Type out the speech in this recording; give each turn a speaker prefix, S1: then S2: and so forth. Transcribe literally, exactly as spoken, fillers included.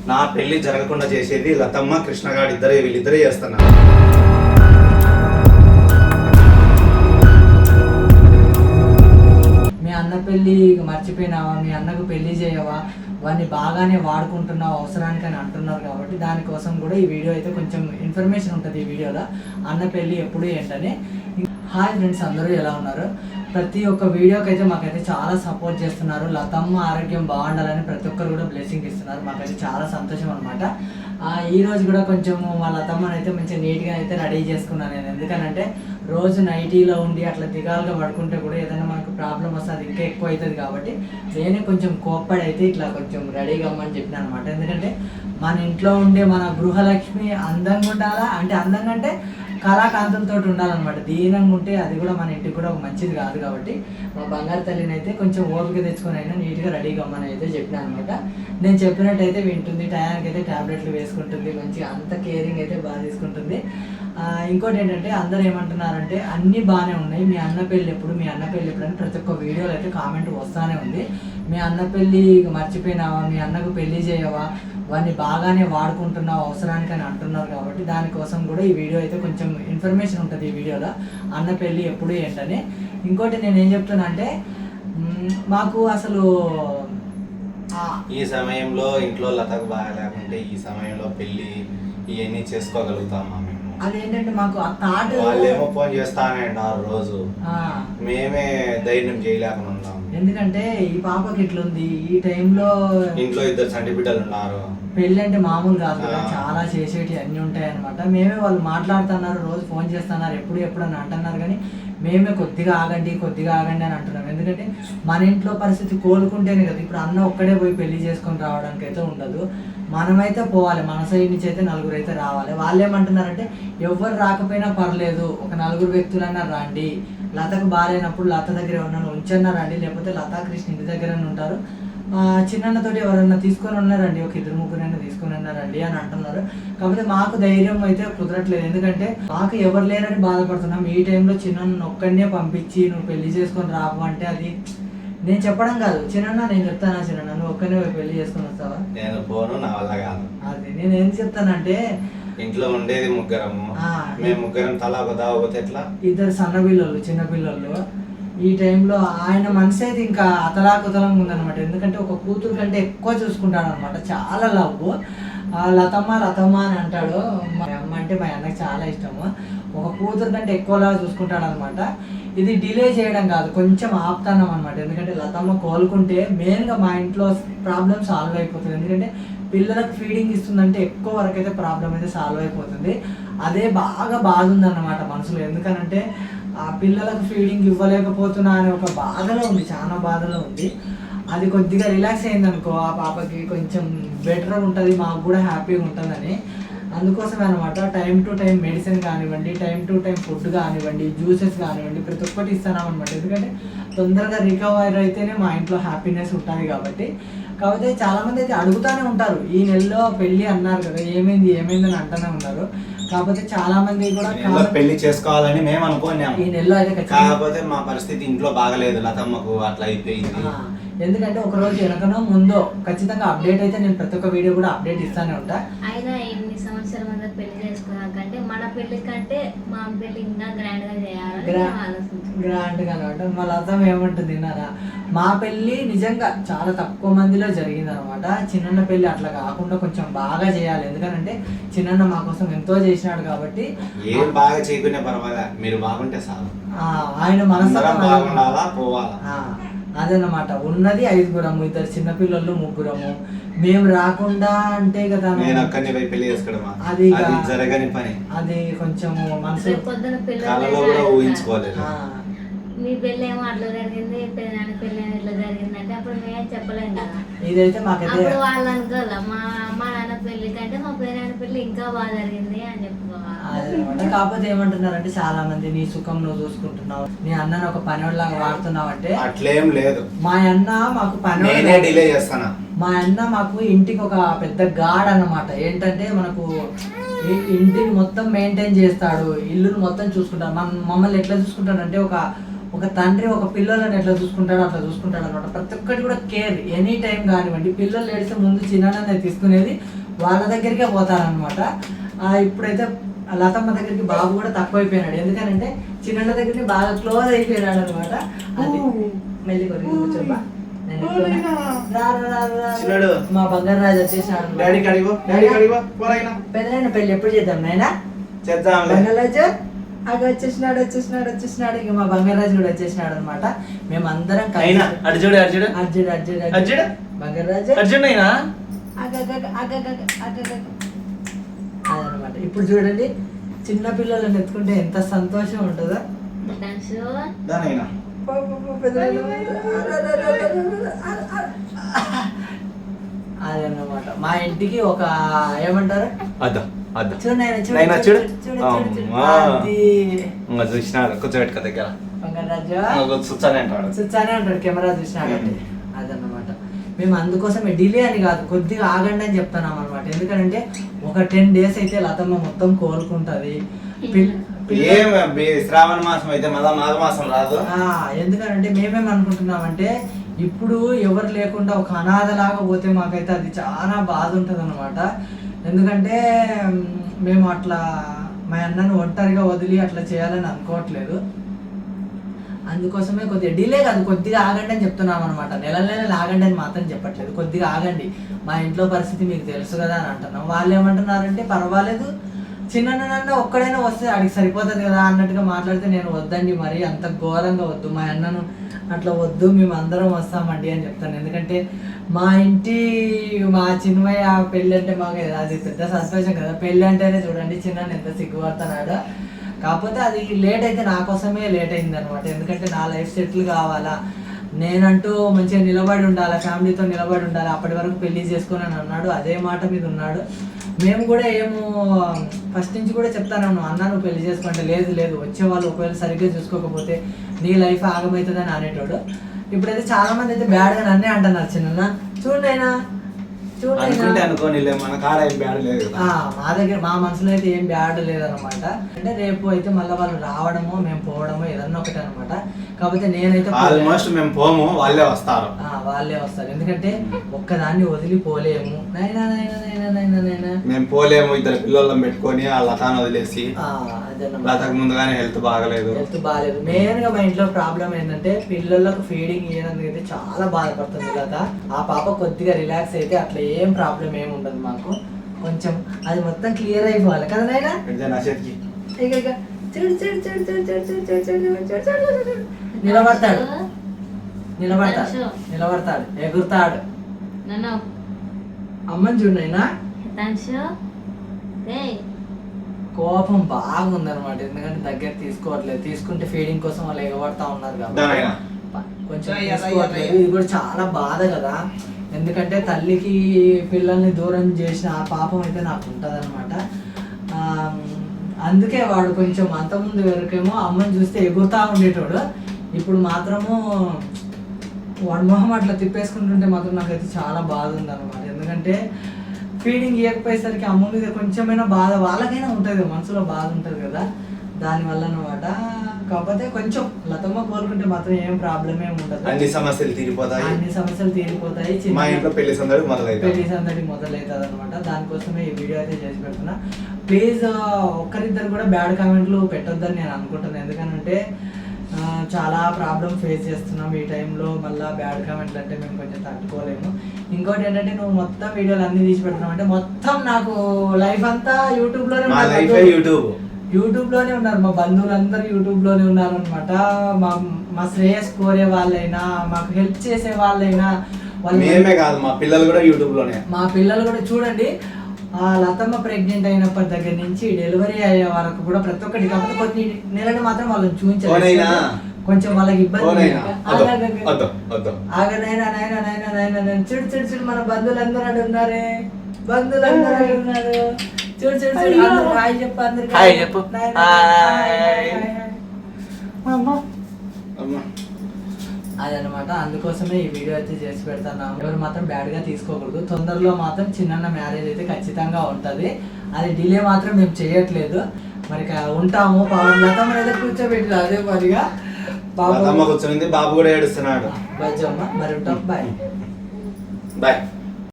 S1: నా పెళ్లి జరగకుండా చేసేది లతమ్మ కృష్ణగాడు ఇద్దరే, వీళ్ళిద్దరే చేస్తున్నారు.
S2: మీ అన్న పెళ్ళి మర్చిపోయినావా, మీ అన్నకు పెళ్లి చేయవా, వాడిని బాగానే వాడుకుంటున్నావు అవసరానికి అని అంటున్నారు. కాబట్టి దానికోసం కూడా ఈ వీడియో అయితే కొంచెం ఇన్ఫర్మేషన్ ఉంటుంది ఈ వీడియోలో, అన్న పెళ్ళి ఎప్పుడు ఏంటని. హాయ్ ఫ్రెండ్స్, అందరూ ఎలా ఉన్నారు? ప్రతి ఒక్క వీడియోకి అయితే మాకైతే చాలా సపోర్ట్ చేస్తున్నారు. లతమ్మ ఆరోగ్యం బాగుండాలని ప్రతి ఒక్కరు కూడా బ్లెస్సింగ్ ఇస్తున్నారు. మాకైతే చాలా సంతోషం అనమాట. ఈ రోజు కూడా కొంచెం మా లతమ్మని అయితే మంచిగా నీట్గా అయితే రెడీ చేసుకున్నాను నేను. ఎందుకనంటే రోజు నైటీలో ఉండి అట్లా దిగాలుగా పడుకుంటే కూడా ఏదైనా మనకు ప్రాబ్లం వస్తే అది ఇంకా ఎక్కువ అవుతుంది. కాబట్టి నేనే కొంచెం కోప్పడి అయితే ఇట్లా కొంచెం రెడీగా అమ్మని చెప్పిన అనమాట. ఎందుకంటే మన ఇంట్లో ఉండే మన గృహలక్ష్మి అందంగా ఉండాలా, అంటే అందంగా అంటే కళాకాంతంతో ఉండాలన్నమాట. దీనంగా ఉంటే అది కూడా మన ఇంటికి కూడా మంచిది కాదు. కాబట్టి మా బంగారు తల్లిని అయితే కొంచెం ఓపిక తెచ్చుకొని అయినా నీట్గా రెడీగా అమ్మని అయితే చెప్పినా అనమాట. నేను చెప్పినట్టయితే వింటుంది, టయానికి అయితే ట్యాబ్లెట్లు వేసుకుంటుంది, మంచిగా అంత కేరింగ్ అయితే బాగా తీసుకుంటుంది. ఇంకోటి ఏంటంటే అందరు ఏమంటున్నారంటే అన్నీ బాగానే ఉన్నాయి, మీ అన్న పెళ్ళి ఎప్పుడు, మీ అన్న పెళ్ళి ఎప్పుడు అని ప్రతి ఒక్క వీడియోలో అయితే కామెంట్ వస్తూనే ఉంది. మీ అన్న పెళ్ళి మర్చిపోయినావా, మీ అన్నకు పెళ్ళి చేయవా, వాడిని బాగానే వాడుకుంటున్నావు అవసరానికి అని అంటున్నారు. కాబట్టి దానికోసం కూడా ఈ వీడియో అయితే కొంచెం ఇన్ఫర్మేషన్ ఉంటుంది ఈ వీడియోలో, అన్న పెళ్ళి ఎప్పుడు ఏంటని. ఇంకోటి నేను ఏం చెప్తున్నా అంటే మాకు అసలు
S1: ఈ సమయంలో ఇంట్లో లతకు బాగా లేకుంటే ఈ సమయంలో పెళ్ళి ఇవన్నీ చేసుకోగలుగుతామా మేము?
S2: అదేంటంటే మాకు ఆ థాట్,
S1: వాళ్ళేమో ఫోన్ చేస్తానండి ఆ రోజు, మేమే ధైర్యం చేయలేకుండా ఉన్నాం.
S2: ఎందుకంటే ఈ పాపకి ఇట్లుంది, ఈ టైంలో
S1: ఇంట్లో ఇద్దరు చంటి బిడ్డలు ఉన్నారు,
S2: పెళ్ళి అంటే మామూలు కాదు కదా, చాలా చేసేటి అన్నీ ఉంటాయి అనమాట. మేమే వాళ్ళు మాట్లాడుతున్నారు, రోజు ఫోన్ చేస్తున్నారు, ఎప్పుడు ఎప్పుడు అని అంటున్నారు. కానీ మేమే కొద్దిగా ఆగండి కొద్దిగా ఆగండి అని అంటున్నాం. ఎందుకంటే మన ఇంట్లో పరిస్థితి కోలుకుంటేనే కదా. ఇప్పుడు అన్న ఒక్కడే పోయి పెళ్లి చేసుకొని రావడానికి అయితే ఉండదు, మనమైతే పోవాలి, మన సైడ్ నుంచి అయితే నలుగురు అయితే రావాలి. వాళ్ళు ఏమంటున్నారంటే ఎవరు రాకపోయినా పర్లేదు, ఒక నలుగురు వ్యక్తులన్నా రండి, లతకు బాగాలేనప్పుడు లత దగ్గర ఎవరన్నా ఉంచన్నా రండి, లేకపోతే లతా కృష్ణ ఇంటి దగ్గరనే ఉంటారు, చిన్నతోటి ఎవరన్నా తీసుకొని ఉన్నారండి, ఒక ఇద్దరు ముగ్గురైనా తీసుకొని ఉన్నారండి అని అంటున్నారు. కాకపోతే మాకు ధైర్యం అయితే కుదరట్లేదు. ఎందుకంటే మాకు ఎవరు లేరని బాధపడుతున్నాం. ఈ టైంలో చిన్న ఒక్కడినే పంపించి నువ్వు పెళ్లి చేసుకొని రావు అంటే అది నేను చెప్పడం కాదు, చిన్న నేను చెప్తానా, చిన్న నువ్వు ఒక్కనే పెళ్లి చేసుకొని వస్తావా?
S1: నేను పోను, నా వల్ల కాదు.
S2: అది నేను ఏం చెప్తానంటే
S1: ఇంట్లో ఉండేది ముగ్గురము, మేము ముగ్గురం తలా ఒక దావపోతే ఎట్లా? ఇద్దరు
S2: సన్న పిల్లలు చిన్న పిల్లలు. ఈ టైంలో ఆయన మనసు అయితే ఇంకా అతలాకుతలంగా ఉందన్నమాట. ఎందుకంటే ఒక కూతురు కంటే ఎక్కువ చూసుకుంటాడు అనమాట, చాలా లవ్. లతమ్మ లతమ్మ అని అంటాడు. మా అమ్మ అంటే మా అన్నకి చాలా ఇష్టము. ఒక కూతురు కంటే ఎక్కువలా చూసుకుంటాడు అనమాట. ఇది డిలే చేయడం కాదు, కొంచెం ఆపుతానం అనమాట. ఎందుకంటే లతమ్మ కోలుకుంటే మెయిన్గా మా ఇంట్లో ప్రాబ్లం సాల్వ్ అయిపోతుంది. ఎందుకంటే పిల్లలకు ఫీడింగ్ ఇస్తుందంటే ఎక్కువ వరకు అయితే ప్రాబ్లం అయితే సాల్వ్ అయిపోతుంది. అదే బాగా బాధ ఉందన్నమాట మనసులో. ఎందుకనంటే ఆ పిల్లలకు ఫీడింగ్ ఇవ్వలేకపోతున్నా అనే ఒక బాధలో ఉంది, చాలా బాధలో ఉంది. అది కొద్దిగా రిలాక్స్ అయిందనుకో ఆ పాపకి కొంచెం బెటర్ ఉంటుంది, మాకు కూడా హ్యాపీగా ఉంటుందని. అందుకోసమే అనమాట టైం టు టైం మెడిసిన్ కానివ్వండి, టైం టు టైం ఫుడ్ కానివ్వండి, జ్యూసెస్ కానివ్వండి, ప్రతి ఒక్కటి ఇస్తున్నాం అనమాట. ఎందుకంటే తొందరగా రికవర్ అయితేనే మా ఇంట్లో హ్యాపీనెస్ ఉంటుంది. కాబట్టి కాకపోతే చాలామంది అయితే అడుగుతూనే ఉంటారు, ఈ నెలలో పెళ్ళి అన్నారు కదా, ఏమైంది ఏమైంది అని అంటూనే ఉన్నారు. కాకపోతే చాలా మంది కూడా
S1: పెళ్లి చేసుకోవాలని మేము అనుకున్నాం
S2: ఈ నెలలో అయితే.
S1: కాకపోతే మా పరిస్థితి ఇంట్లో బాగలేదు, లతమ్మకు అట్లా అయిపోయింది.
S2: ఎందుకంటే ఒక రోజు వెనకనో ముందో ఖచ్చితంగా అప్డేట్ అయితే నేను ప్రతి ఒక్క వీడియో కూడా అప్డేట్ ఇస్తానే ఉంటా.
S3: అయినా ఎన్ని సంవత్సరాల మంది పెళ్లి చేసుకున్నాకంటే మన పెళ్లి కంటే మా పెళ్లి ఇంకా గ్రాండ్ గా చేయాలి,
S2: గ్రాండ్ గా అనమాట. మా లతం ఏమంటుంది విన్నారా, మా పెళ్లి నిజంగా చాలా తక్కువ మందిలో జరిగింది అనమాట. చిన్న పెళ్లి అట్లా కాకుండా కొంచెం బాగా చేయాలి. ఎందుకంటే చిన్న మా కోసం ఎంతో చేసినాడు. కాబట్టి
S1: ఏం బాగా చేయకునే పర్వాలేదు, మీరు బాగుంటే చాలు.
S2: ఆయన మనసు
S1: బాగుండాలా, పోవాలా.
S2: అదనమాట. ఉన్నది ఐదుగురము, ఇద్దరు చిన్నపిల్లలు ముగ్గురము. మేము రాకుండా అంటే కదా అది
S1: జరగని పని.
S2: అది కొంచెం మనసు
S1: ఊహించుకోలేదు.
S3: మీ పెళ్ళి ఏమో అట్లా జరిగింది, పెళ్ళి పెళ్ళి ఇట్లా జరిగింది అంటే అప్పుడు మేమే చెప్పలేం కదా.
S2: ఇదైతే మాకైతే
S3: వాళ్ళు అనుకోవాలి, మా అమ్మ నాన్న పెళ్లి కంటే మా పెళ్ళి పెళ్లి ఇంకా బాగా జరిగింది అని చెప్పుకోవాలి.
S2: కాకపోతే ఏమంటున్నారంటే చాలా మంది, నీ సుఖం నువ్వు చూసుకుంటున్నావు, నీ అన్నని ఒక పనివాడిలాగా వాడుతున్నావు అంటే
S1: అట్లేం లేదు.
S2: మా అన్న మాకు పని
S1: డిలే చేస్తానా,
S2: మా అన్న మాకు ఇంటికి ఒక పెద్ద గాడ్ అన్నమాట. ఏంటంటే మనకు ఇంటిని మొత్తం మెయింటైన్ చేస్తాడు, ఇల్లుని మొత్తం చూసుకుంటాడు. మన మమ్మల్ని ఎట్లా చూసుకుంటాడు అంటే ఒక ఒక తండ్రి ఒక పిల్లలను ఎట్లా చూసుకుంటాడో అట్లా చూసుకుంటాడు అనమాట. ప్రతి ఒక్కటి కూడా కేర్ ఎనీ టైం కానివ్వండి. పిల్లలు ఏడిస్తే ముందు చిన్న తీసుకునేది వాళ్ళ దగ్గరికే పోతారనమాట. ఇప్పుడైతే లతమ్మ దగ్గరికి బాబు కూడా తక్కువైపోయినాడు. ఎందుకనంటే చిన్న దగ్గరికి బాగా క్లోజ్ అయిపోయినాడు అనమాట. అది మెల్లి కొరికి కూర్చోబా. మా బంగారు రాజు వచ్చేసినాడు. పెద్దలైన పెళ్లి ఎప్పుడు చేద్దాం నాయనా? బంగారాజు అక్కడ వచ్చేసినాడు వచ్చేసినాడు వచ్చేసినాడు ఇక మా బంగారాజు కూడా వచ్చేసినాడు అనమాట. మేమందరం
S1: అర్జుడు అర్జుడు
S2: అర్జుడు అర్జుడు
S1: అర్జుడు
S2: బంగారాజు
S1: అర్జుడు అయినా
S2: అదనమాట. ఇప్పుడు చూడండి చిన్న పిల్లలను ఎత్తుకుంటే ఎంత సంతోషం ఉంటుందో. అదన్నమాట. మా ఇంటికి ఒక ఏమంటారు
S1: చూసినాడు కూర్చోబెట్టుకో దగ్గర
S2: చూచానే అంటాడు కెమెరా చూసినాడు. అదన్నమాట. మేము అందుకోసమే డిలే అని కాదు, కొద్దిగా ఆగండి అని చెప్తున్నాం అనమాట. ఎందుకంటే ఒక టెన్ డేస్ అయితే లతమ్మ మొత్తం కోలుకుంటది.
S1: శ్రావణ మాసం అయితే మళ్ళా మాఘ మాసం రాదు.
S2: ఎందుకంటే మేమేం అనుకుంటున్నామంటే ఇప్పుడు ఎవరు లేకుండా ఒక అనాథలాగా పోతే మాకైతే అది చాలా బాధ ఉంటుంది అనమాట. ఎందుకంటే మేము అట్లా మా అన్నను ఒంటరిగా వదిలి అట్లా చేయాలని అనుకోవట్లేదు. అందుకోసమే కొద్దిగా డిలే కాదు, కొద్దిగా ఆగండి అని చెప్తున్నాం అనమాట. నెల నెలలు ఆగండి అని మాత్రం చెప్పట్లేదు, కొద్దిగా ఆగండి, మా ఇంట్లో పరిస్థితి మీకు తెలుసు కదా అని అంటున్నాం. వాళ్ళు ఏమంటున్నారంటే పర్వాలేదు చిన్న ఒక్కడైనా వస్తే అడిగి సరిపోతుంది కదా అన్నట్టుగా మాట్లాడితే నేను వద్దండి, మరి అంత ఘోరంగా వద్దు, మా అన్నను అట్లా వద్దు, మేము అందరం వస్తామండి అని చెప్తాను. ఎందుకంటే మా ఇంటి మా చిన్మయ్య పెళ్ళి అంటే మాకు అది పెద్ద సంతోషం కదా. పెళ్ళి అంటేనే చూడండి చిన్న ఎంత సిగ్గుపడుతున్నాడు. కాకపోతే అది లేట్ అయితే నా కోసమే లేట్ అయింది అనమాట. ఎందుకంటే నా లైఫ్ సెటిల్ కావాలా, నేనంటూ మంచిగా నిలబడి ఉండాలి, ఫ్యామిలీతో నిలబడి ఉండాలి, అప్పటి వరకు పెళ్లి చేసుకొని అని అన్నాడు. అదే మాట మీద ఉన్నాడు. మేము కూడా ఏమో ఫస్ట్ నుంచి కూడా చెప్తాను, అన్న నువ్వు పెళ్లి చేసుకుంటే లేదు లేదు వచ్చే వాళ్ళు ఒకవేళ సరిగ్గా చూసుకోకపోతే నీ లైఫ్ ఆగమవుతుందని అనేటోడు. ఇప్పుడైతే చాలా మంది అయితే బ్యాడ్గా నన్నే అంటున్నారు, చిన్న చూడండి అయినా మా దగ్గర మా మనసులో అయితే ఏం బ్యాడ్ లేదనమాట. అంటే రేపు అయితే మళ్ళీ వాళ్ళు రావడమో మేము పోవడమో ఏదన్నా ఒకటి అనమాట. కాకపోతే నేనైతే
S1: ఆల్మోస్ట్ మేము పోము, వాళ్ళే వస్తారు
S2: వాళ్ళే వస్తారు ఎందుకంటే ఒక్కదాన్ని వదిలిపోలేము. నైనా నైనా నైనా నైనా నైనా
S1: మేము పోలేము, ఇద్దరు పిల్లలను పెట్టుకొని ఆ లతాను వదిలేసి. లతకు ముందుగానే హెల్త్ బాగలేదు
S2: హెల్త్ బాగాలేదు మెయిన్ గా మా ఇంట్లో ప్రాబ్లం ఏంటంటే పిల్లలకు ఫీడింగ్ ఇవ్వడానికి అయితే చాలా బాధపడుతుంది లత. ఆ పాప కొద్దిగా రిలాక్స్ అయితే అట్లా ఏం ప్రాబ్లం ఏమి ఉండదు మాకు. కొంచెం అది మొత్తం క్లియర్ అయిపోవాలి కదా నైనా. నిలబడతాడు నిలబడతాడు నిలబడతాడు ఎగురుతాడు. అమ్మని చూడైనా కోపం బాగుందనమాట. ఎందుకంటే దగ్గర తీసుకోవట్లేదు, తీసుకుంటే ఫీడింగ్ కోసం వాళ్ళు ఎగబడతా ఉన్నారు కాబట్టి కొంచెం తీసుకోవట్లేదు. ఇది కూడా చాలా బాధ కదా. ఎందుకంటే తల్లికి పిల్లల్ని దూరం చేసిన ఆ పాపం అయితే నాకు ఉంటుంది అనమాట. అందుకే వాడు కొంచెం అంతకుముందు వరకేమో అమ్మని చూస్తే ఎగురుతా ఉండేటోడు, ఇప్పుడు మాత్రము వాడు మొహం అట్లా తిప్పేసుకుంటుంటే మాత్రం నాకైతే చాలా బాధ ఉంది అనమాట. ఎందుకంటే ఫీడింగ్ ఇవ్వకపోయేసరికి అమ్మ మీద కొంచెమైనా బాధ వాళ్ళకైనా ఉంటుంది, మనసులో బాధ ఉంటుంది కదా, దానివల్ల అనమాట. కాకపోతే కొంచెం లతమ్మ కోరుకుంటే మాత్రం ఏం ప్రాబ్లం ఏమి ఉండదు,
S1: అన్ని సమస్యలు తీరిపోతాయి అన్ని
S2: సమస్యలు తీరిపోతాయి
S1: మా ఇంట్లో పెళ్లి సందడి మొదలైతే
S2: పెళ్లి సందడి మొదలవుతుంది అనమాట. దానికోసమే ఈ వీడియో అయితే చేసి పెడుతున్నా. ప్లీజ్ ఒక్కరిద్దరు కూడా బ్యాడ్ కామెంట్లు పెట్టొద్దని నేను అనుకుంటున్నాను. ఎందుకంటే చాలా ప్రాబ్లం ఫేస్ చేస్తున్నాం ఈ టైంలో, మళ్ళీ బ్యాడ్ కామెంట్లు అంటే మేము కొంచెం తట్టుకోలేము. ఇంకోటి ఏంటంటే నువ్వు మొత్తం వీడియోలు అన్ని తీసి పెడుతున్నావు అంటే మొత్తం నాకు లైఫ్ అంతా యూట్యూబ్లోనే
S1: యూట్యూబ్
S2: యూట్యూబ్ లోనే ఉన్నారు, మా బంధువులందరూ యూట్యూబ్ లోనే ఉన్నారు అనమాట. మా మా శ్రేయస్ కోరే వాళ్ళైనా మాకు హెల్ప్ చేసే వాళ్ళైనా
S1: మేమే కాదు మా పిల్లలు కూడా యూట్యూబ్ లోనే.
S2: మా పిల్లలు కూడా చూడండి, ఆ లతమ్మ ప్రెగ్నెంట్ అయినప్పటి దగ్గర నుంచి డెలివరీ అయ్యే వరకు కూడా ప్రతి ఒక్కటి. కాకపోతే కొన్ని నెలలు మాత్రం వాళ్ళని చూపించారు, కొంచెం వాళ్ళకి ఇబ్బంది. ఆగనైనా నైనా నైనా నైనా నైనా చిడు చిడు చిడు మన బంధువులందరూ అడు ఉన్నారే, బంధువులందరూ అడు ఉన్నారు. చూడు చూడు చూడు అందరూ హాయ్ చెప్పు, అందరికి
S1: హాయ్ చెప్పు.
S2: అదనమాట. అందుకోసమే ఈ వీడియో అయితే చేసి పెడతాను. ఎవరు మాత్రం బ్యాడ్ గా తీసుకోకూడదు. తొందరలో మాత్రం చిన్న మ్యారేజ్ అయితే ఖచ్చితంగా ఉంటది, అది డిలే మాత్రం మేము చేయట్లేదు. మరి ఉంటాము. లతమ్మ అయితే కూర్చోబెట్టి అదే పనిగా బాబు
S1: లతమ్మ కూర్చుంది, బాబు కూడా ఏడుస్తున్నాడు.
S2: బాయ్ జమ్మ, మరి ఉంటాం, బాయ్.
S1: బాయ్.